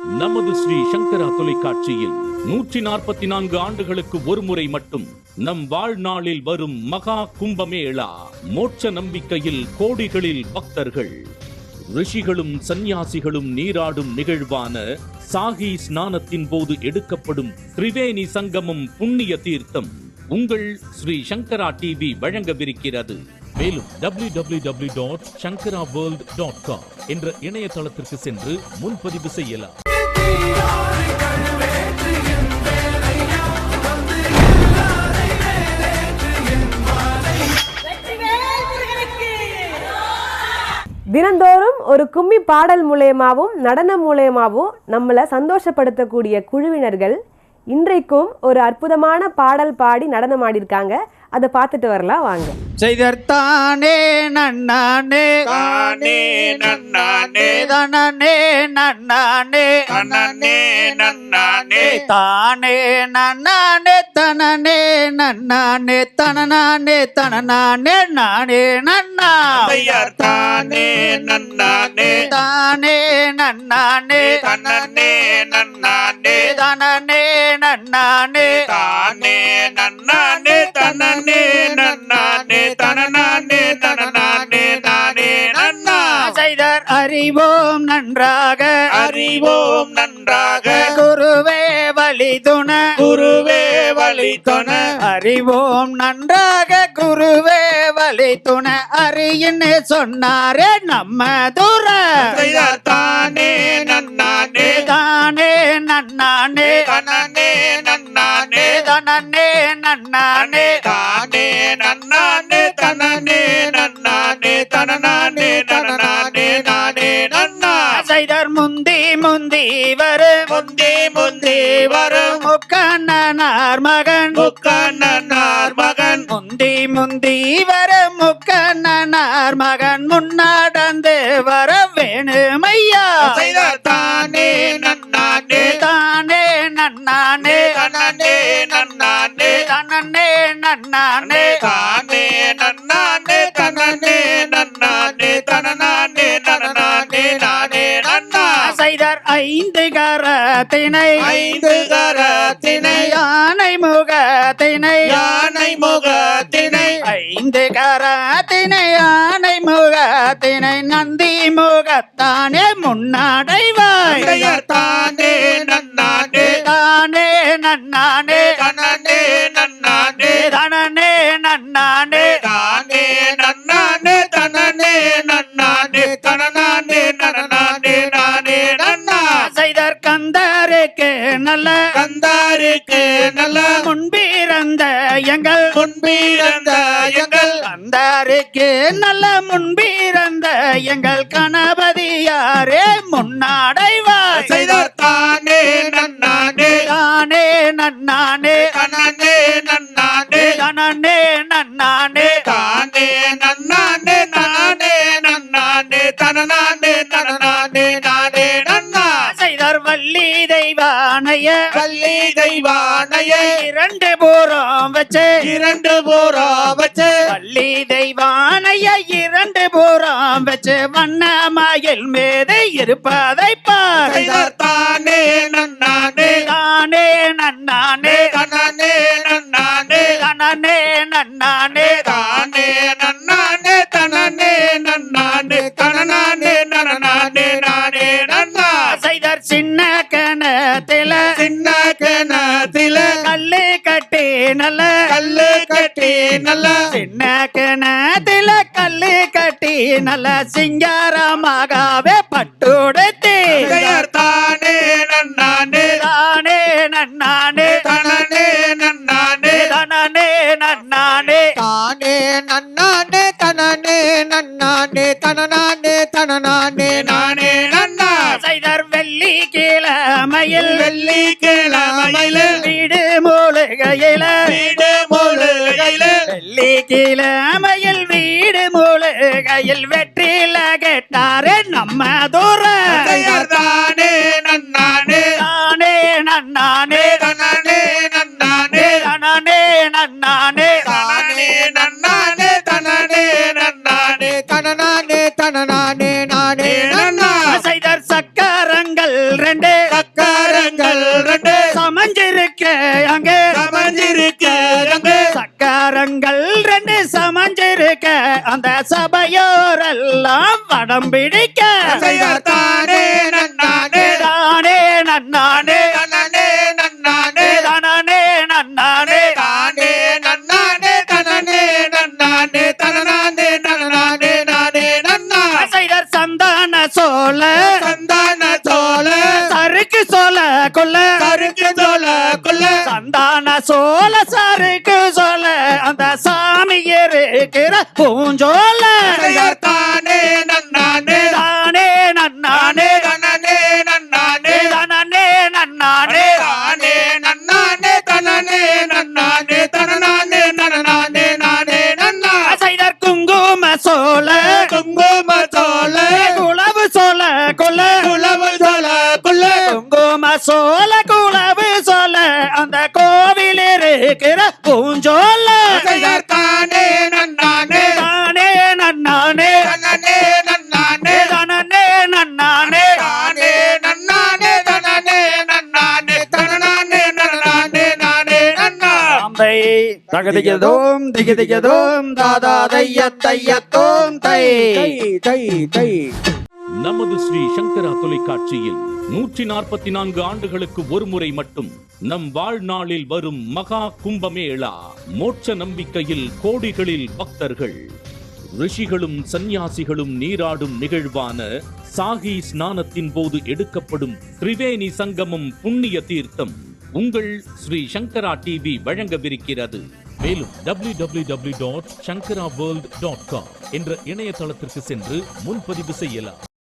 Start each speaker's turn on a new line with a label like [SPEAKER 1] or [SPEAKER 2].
[SPEAKER 1] நமது ஸ்ரீ சங்கரா தொலைக்காட்சியில் 144 ஆண்டுகளுக்கு ஒருமுறை மட்டும் நம் வாழ்நாளில் வரும் மகா கும்பமேளா. மோட்ச நம்பிக்கையில் கோடிகளில் பக்தர்கள், ரிஷிகளும் சந்நியாசிகளும் நீராடும் நிகழ்வான சாகி ஸ்நானத்தின் போது எடுக்கப்படும் திரிவேணி சங்கமம் புண்ணிய தீர்த்தம் உங்கள் ஸ்ரீ சங்கரா டிவி வழங்கவிருக்கிறது. மேலும் www.shankaraworld.com என்ற இணையதளத்திற்கு சென்று முன்பதிவு செய்யலாம்.
[SPEAKER 2] தினந்தோறும் ஒரு கும்மி பாடல் மூலயமாவும் நடனம் மூலயமாவும் நம்மளை சந்தோஷப்படுத்தக்கூடிய குழுவினர்கள் இன்றைக்கும் ஒரு அற்புதமான பாடல் பாடி நடனம் ஆடிருக்காங்க. அதை பார்த்துட்டு வரலாம் வாங்க.
[SPEAKER 3] செய்தர்த்தானே நன்னானே தானே நன்னானே தனனே நன்னானே தனனே நன்னானே தானே நன்னானே தனனே நன்னானே தனனானே தனனானே நானே நன்னா செய்தர்த்தானே நன்னானே தானே நன்னானே தனனே நன்னானே தனனே நன்னானே தானே நன்னானே தனனே நன்னானே தனனானே தனனானே நானே நன்னா செய்தர் அறிவோம் நன்றாக அறிவோம் நன்றாக குருவே வழிதுண குருவே வழிதுண அறிவோம் நன்றாக குருவே வழிதுண அறியின்னு சொன்னாரே நம்ம தூர செய்தர் தானே நன்னானே தானே நன்னானே தனனே நன்னானே தனனே நன்னானே தானே நன்னானே தனனே நன்னானே தனனானே தனனானே நானே நன்னா செய்தர் முந்தி முந்தி வரும் முந்தி முந்தி வரும் முக்கண்ணனார் மகன் முக்கண்ணனார் மகன் முந்தி முந்தி வரும் முக்கண்ணனார் மகன் முன்னாடந்து வர வேணுமையா செய்தர் தானே நன்னானே தானே நன்னானே தனனே நன்னானே தனனே நன்னானே தானே நன்னானே தனனே நன்னானே தனனானே தனனானே நானே நன்னா செய்தர் ஐந்து கரத்தினை ஐந்து கரத்தினை யானை முகத்தினை யானை முகத்தினை ஐந்து கரத்தினை யானை முகத்தினை நந்தி முகத்தானே முன்னாடைவாய் தானே நன்னானே தானே நன்னானே தனனே நன்னானே தனனே நன்னானே தானே நன்னானே தனனே நன்னானே தனனானே நனனானே நானே நன்னா செய்தர் கந்தாருக்கு நல்ல கந்தாருக்கு நல்ல முன்பிறந்த எங்கள் முன்பிறந்த எங்கள் கந்தாருக்கு நல்ல முன்பிறந்த எங்கள் கணபதியாரே முன்னாடைவார் செய்தர் தானே நன்னானே தானே நன்னானே தனனே நன்னானே தனனே நன்னானே தானே நன்னானே நானே நன்னானே தனனானே தனனானே நானே நன்னா செய்தர் வள்ளி தெய்வானைய வள்ளி தெய்வானைய இரண்டு பூரம் வச்சு இரண்டு பூரம் வச்சு வள்ளி தெய்வானைய இரண்டு பூரம் வச்சு வண்ணமயில் மீது இருப்பதை பார் தானே நன்னானே தானே நன்னானே தனனே நன்னானே தனனே நன்னானே தானே நன்னானே தனனே நன்னானே தனனானே நனனானே நானே நன்னா செய்தர் சின்ன கணத்தில சின்ன கணத்தில கல்லு கட்டி நல்ல கல்லு கட்டி நல்ல சின்ன கணத்தில கல்லு கட்டி நல்ல சிங்காரமாகவே பட்டுடுத்தி தானே நன்னானே தானே நன்னானே தனனே நன்னானே தனனே நன்னானே தானே நன்னானே தனனே நன்னானே தனனானே தனனானே நானே நன்னா செய்தர் வெள்ளி கிழமையில் வெள்ளி கிழமையில் வீடு மூலிகையில வீடு மூலிகையில வெள்ளி கிழமையில் வீடு மூலிகையில் வெற்றில கேட்டாரே நம்ம தூர தானே நன்னானே தானே நன்னானே தனனே நன்னானே தனனே நன்னானே தானே நன்னானே தனனே நன்னானே தனனானே தனனானே நானே நன்னா செய்தர் சக்கரங்கள் ரெண்டே சக்கரங்கள் ரெண்டு சமஞ்சிருக்க அங்கே சமஞ்சிருக்க அங்கே சக்கரங்கள் ரெண்டு சமஞ்சிருக்க அந்த சபையோரெல்லாம் வடம் பிடிக்க தானே நன்னானே தானே நன்னானே நன்னானே நன்னானே தானே நன்னானே தானே நன்னானே தனனே நன்னானே தனனானே நன்னானே நானே நன்னா சைடர் சந்தான சோல சருக்கு சோல கொல்ல சருக்கு சோல கொல்ல சந்தான சோல சருக்கு சோல அந்த சாமி இருக்கிற பூஞ்சோல தானே நன்னானே தானே நன்னானே தனனே நன்னானே தனனே நன்னானே தானே நன்னானே தனனே நன்னானே தனனானே நனனானே நானே நன்னா சைடர் குங்கும சோல குளவு சோல கொல்ல குளவு சோல கொல்ல குங்கும சோல குளவு சோல அந்த கோவில் இருக்கிற பூஞ்சோல தானே நன்னானே தானே நன்னானே தனனே நன்னானே தனனே நன்னானே தானே நன்னானே தனனே நன்னானே தனனானே நனனானே நானே நன்னா அம்பை தகதிகதோம் திகதிகதோம் தாதா தையத்தோம் தை தை தை
[SPEAKER 1] நமது ஸ்ரீ சங்கரா தொலைக்காட்சியில் 144 ஆண்டுகளுக்கு ஒரு முறை மட்டும் நம் வாழ்நாளில் வரும் மகா கும்பமேளா. மோட்ச நம்பிக்கையில் கோடிகளில் பக்தர்கள், ரிஷிகளும் சந்நியாசிகளும் நீராடும் நிகழ்வான சாகி ஸ்நானத்தின் போது எடுக்கப்படும் திரிவேணி சங்கமம் புண்ணிய தீர்த்தம் உங்கள் ஸ்ரீ சங்கரா டிவி வழங்கவிருக்கிறது. மேலும் www.shankaraworld.com என்ற இணையதளத்திற்கு சென்று முன்பதிவு செய்யலாம்.